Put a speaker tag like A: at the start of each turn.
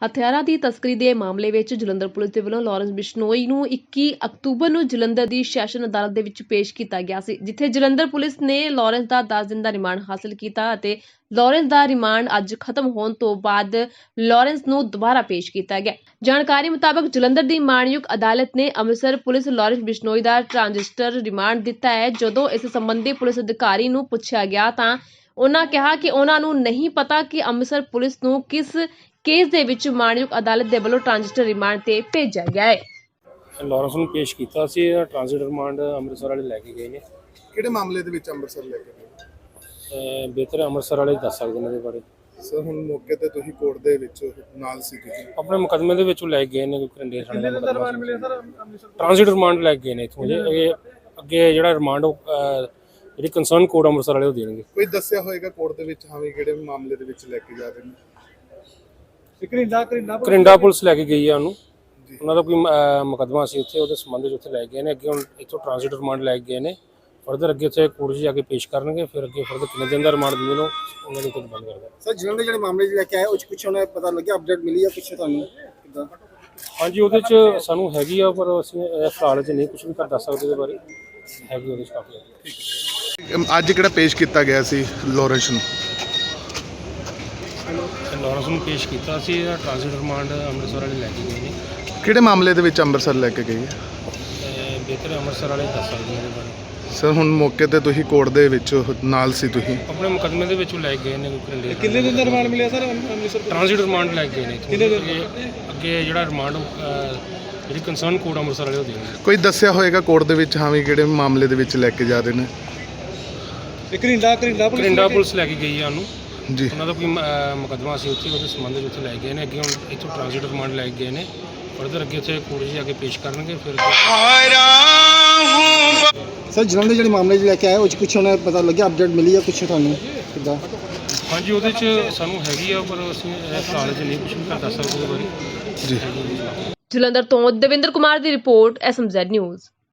A: ਹਥਿਆਰਾਂ ਦੀ ਤਸਕਰੀ ਦੇ ਮਾਮਲੇ ਵਿੱਚ ਜਲੰਧਰ ਪੁਲਿਸ ਦੇ ਵੱਲੋਂ ਲਾਰੈਂਸ ਬਿਸ਼ਨੋਈ ਨੂੰ 21 ਅਕਤੂਬਰ ਨੂੰ ਜਲੰਧਰ ਦੀ ਸੈਸ਼ਨ ਅਦਾਲਤ ਦੇ ਵਿੱਚ ਪੇਸ਼ ਕੀਤਾ ਗਿਆ ਸੀ, ਜਿੱਥੇ ਜਲੰਧਰ ਪੁਲਿਸ ਨੇ ਲਾਰੈਂਸ ਦਾ 10 ਦਿਨ ਦਾ ਰਿਮਾਂਡ ਹਾਸਲ ਕੀਤਾ ਅਤੇ ਲਾਰੈਂਸ ਦਾ ਰਿਮਾਂਡ ਅੱਜ ਖਤਮ ਹੋਣ ਤੋਂ ਬਾਅਦ ਲਾਰੈਂਸ ਨੂੰ ਦੁਬਾਰਾ ਪੇਸ਼ ਕੀਤਾ ਗਿਆ। ਜਾਣਕਾਰੀ ਮੁਤਾਬਕ ਜਲੰਧਰ ਦੀ ਮਾਣਯੋਗ ਅਦਾਲਤ ਨੇ ਅੰਮ੍ਰਿਤਸਰ ਪੁਲਿਸ ਲਾਰੈਂਸ ਬਿਸ਼ਨੋਈ ਦਾ ਟ੍ਰਾਂਜਿਸਟਰ ਰਿਮਾਂਡ ਦਿੱਤਾ ਹੈ। ਜਦੋਂ ਇਸ ਸੰਬੰਧੀ ਪੁਲਿਸ ਅਧਿਕਾਰੀ ਨੂੰ ਪੁੱਛਿਆ ਗਿਆ ਤਾਂ ਉਹਨਾਂ ਕਿਹਾ ਕਿ ਉਹਨਾਂ ਨੂੰ ਨਹੀਂ ਪਤਾ ਕਿ ਅੰਮ੍ਰਿਤਸਰ ਪੁਲਿਸ ਨੂੰ ਕਿਸ ਕੇਸ ਦੇ ਵਿੱਚ ਮਾਣਯੋਗ ਅਦਾਲਤ ਦੇ ਵੱਲੋਂ ਟ੍ਰਾਂਜਿਸਟਰ ਰਿਮਾਂਡ ਤੇ ਭੇਜਿਆ ਗਿਆ ਹੈ।
B: ਲਾਰੈਂਸ ਨੂੰ ਪੇਸ਼ ਕੀਤਾ ਸੀ। ਟ੍ਰਾਂਜ਼ਿਟ ਰਿਮਾਂਡ ਅੰਮ੍ਰਿਤਸਰ ਵਾਲੇ ਲੈ ਕੇ ਗਏ ਨੇ।
C: ਕਿਹੜੇ ਮਾਮਲੇ ਦੇ ਵਿੱਚ ਅੰਮ੍ਰਿਤਸਰ ਲੈ ਕੇ ਗਏ?
B: ਬਿਹਤਰ ਅੰਮ੍ਰਿਤਸਰ ਵਾਲੇ ਦੱਸ ਸਕਦੇ ਨੇ ਇਹਦੇ ਬਾਰੇ।
C: ਸਰ ਹੁਣ ਮੌਕੇ ਤੇ ਤੁਸੀਂ ਕੋਰਟ ਦੇ ਵਿੱਚ ਨਾਲ ਸੀ, ਤੁਸੀਂ
B: ਆਪਣੇ ਮੁਕੱਦਮੇ ਦੇ ਵਿੱਚੋਂ ਲੈ ਗਏ ਨੇ। ਕੋਈ ਕੰਡੇ ਥਾਣੇ ਦਾ ਰਿਮਾਂਡ ਮਿਲਿਆ ਸਰ ਅੰਮ੍ਰਿਤਸਰ ਟ੍ਰਾਂਜ਼ਿਟ ਰਿਮਾਂਡ ਲੈ ਕੇ ਗਏ ਨੇ ਇੱਥੋਂ। ਇਹ ਅੱਗੇ ਜਿਹੜਾ ਰਿਮਾਂਡ ਜਿਹੜੀ ਕੰਸਰਨ ਕੋਰਟ ਅੰਮ੍ਰਿਤਸਰ ਵਾਲੇ ਉਹ ਦੇਣਗੇ।
C: ਕੋਈ ਦੱਸਿਆ ਹੋਏਗਾ ਕੋਰਟ ਦੇ ਵਿੱਚ ਹਾਂ ਵੀ ਕਿਹੜੇ ਮਾਮਲੇ ਦੇ ਵਿੱਚ ਲੈ ਕੇ ਜਾ ਰਹੇ ਨੇ?
B: ਕਰਿੰਡਾ ਪੁਲਿਸ ਲੈ ਕੇ ਗਈ ਆ ਉਹਨੂੰ। ਉਹਨਾਂ ਦਾ ਕੋਈ ਮੁਕੱਦਮਾ ਸੀ ਉੱਥੇ, ਉਹਦੇ ਸੰਬੰਧ ਵਿੱਚ ਉੱਥੇ ਲੈ ਗਏ ਨੇ। ਅੱਗੇ ਹੁਣ ਇੱਥੋਂ ਟ੍ਰਾਂਜ਼ਿਟ ਰਿਮਾਂਡ ਲੈ ਕੇ ਗਏ ਨੇ। ਫਰਦਰ ਅੱਗੇ ਉੱਥੇ ਕੋਰਟ 'ਚ ਜਾ ਕੇ ਪੇਸ਼ ਕਰਨਗੇ। ਫਿਰ ਅੱਗੇ ਫਰਦਰ ਕਿੰਨੇ ਦਿਨ ਦਾ ਰਿਮਾਂਡ ਦਿੰਦੇ ਨੇ ਉਹਨਾਂ ਦੇ ਉੱਤੇ ਡਿਪੈਂਡ ਕਰਦਾ।
D: ਸਰ ਜਿਨ੍ਹਾਂ ਦੇ ਜਿਹੜੇ ਮਾਮਲੇ 'ਚ ਲੈ ਕੇ ਆਏ ਉਹ 'ਚ ਕੁਛ ਉਹਨਾਂ ਪਤਾ ਲੱਗਿਆ, ਅਪਡੇਟ ਮਿਲੀ ਆ ਕੁਛ ਤੁਹਾਨੂੰ ਕਿੱਦਾਂ?
B: ਹਾਂਜੀ, ਉਹਦੇ 'ਚ ਸਾਨੂੰ ਹੈਗੀ ਆ, ਪਰ ਅਸੀਂ ਇਸ ਹਾਲ 'ਚ ਨਹੀਂ ਕੁਝ ਵੀ ਕਰ ਦੱਸ ਸਕਦੇ ਉਹਦੇ ਬਾਰੇ। ਹੈਗੀ ਉਹਦੇ 'ਚ ਕਾਫੀ।
C: ਅੱਜ ਕਿਹੜਾ ਪੇਸ਼ ਕੀਤਾ ਗਿਆ ਸੀ ਲਾਰੈਂਸ ਨੂੰ?
B: ਲਾਰੈਂਸ ਨੂੰ ਪੇਸ਼ ਕੀਤਾ ਸੀ। ਟ੍ਰਾਂਜ਼ਿਟ ਰਿਮਾਂਡ ਅੰਮ੍ਰਿਤਸਰ ਵਾਲੇ ਲੈ ਕੇ ਗਏ ਨੇ।
C: ਕਿਹੜੇ ਮਾਮਲੇ ਦੇ ਵਿੱਚ ਅੰਮ੍ਰਿਤਸਰ ਲੈ ਕੇ ਗਏ?
B: ਬਿਹਤਰ ਅੰਮ੍ਰਿਤਸਰ ਵਾਲੇ ਦੱਸ ਸਕਦੇ ਨੇ ਇਹਦੇ ਬਾਰੇ।
C: ਸਰ ਹੁਣ ਮੌਕੇ ਤੇ ਤੁਸੀਂ ਕੋਰਟ ਦੇ ਵਿੱਚ ਨਾਲ ਸੀ, ਤੁਸੀਂ
B: ਆਪਣੇ ਮੁਕੱਦਮੇ ਦੇ ਵਿੱਚੋਂ ਲੈ ਕੇ ਗਏ ਨੇ। ਕੋਈ ਕੰਡੇ
D: ਕਿੰਨੇ ਦਿਨ ਦਾ ਰਿਮਾਂਡ ਮਿਲਿਆ ਸਰ ਅੰਮ੍ਰਿਤਸਰ?
B: ਟ੍ਰਾਂਜ਼ਿਟ ਰਿਮਾਂਡ ਲੈ ਕੇ ਗਏ ਨੇ ਇੱਥੋਂ। ਅੱਗੇ ਜਿਹੜਾ ਰਿਮਾਂਡ ਜਿਹੜੀ ਕੰਸਰਨ ਕੋਰਟ ਅੰਮ੍ਰਿਤਸਰ ਵਾਲੇ ਉਹ ਦੇਣਗੇ।
C: ਕੋਈ ਦੱਸਿਆ ਹੋਏਗਾ ਕੋਰਟ ਦੇ ਵਿੱਚ ਹਾਂ ਵੀ ਕਿਹੜੇ ਮਾਮਲੇ ਦੇ ਵਿੱਚ ਲੈ ਕੇ ਜਾ ਰਹੇ ਨੇ?
B: ਕਰਿੰਡਾ ਪੁਲਿਸ ਲੈ ਕੇ ਗਈ ਆ ਉਹਨੂੰ
C: ਜੀ।
B: ਉਹਨਾਂ ਦਾ ਕੋਈ ਮੁਕੱਦਮਾ ਸੀ ਉੱਥੇ, ਉਹਦੇ ਸੰਬੰਧ ਵਿੱਚ ਉੱਥੇ ਲੈ ਗਏ ਨੇ। ਅੱਗੇ ਹੁਣ ਇੱਥੋਂ ਟ੍ਰਾਂਜ਼ਿਟ ਰਿਮਾਂਡ ਲੈ ਕੇ ਗਏ ਨੇ। ਫਰਦਰ ਅੱਗੇ ਉੱਥੇ ਕੋਰਟ 'ਚ ਜਾ ਕੇ ਪੇਸ਼ ਕਰਨਗੇ। ਫਿਰ
D: ਸਰ ਜਿਨ੍ਹਾਂ ਦੇ ਜਿਹੜੇ ਮਾਮਲੇ 'ਚ ਲੈ ਕੇ ਆਏ ਉਹ 'ਚ ਕੁਛ ਉਹਨਾਂ ਪਤਾ ਲੱਗਿਆ, ਅਪਡੇਟ ਮਿਲੀ ਆ ਕੁਛ ਤੁਹਾਨੂੰ ਕਿੱਦਾਂ?
B: ਹਾਂਜੀ, ਉਹਦੇ 'ਚ ਸਾਨੂੰ ਹੈਗੀ ਆ, ਪਰ ਅਸੀਂ ਇਸ ਹਾਲ 'ਚ ਨਹੀਂ ਕੁਝ ਵੀ ਕਰ ਦੱਸ ਸਕਦੇ ਉਹਦੇ ਬਾਰੇ।
C: ਜੀ।
A: ਜਲੰਧਰ ਤੋਂ ਦਵਿੰਦਰ ਕੁਮਾਰ ਦੀ ਰਿਪੋਰਟ, SMZ ਨਿਊਜ਼।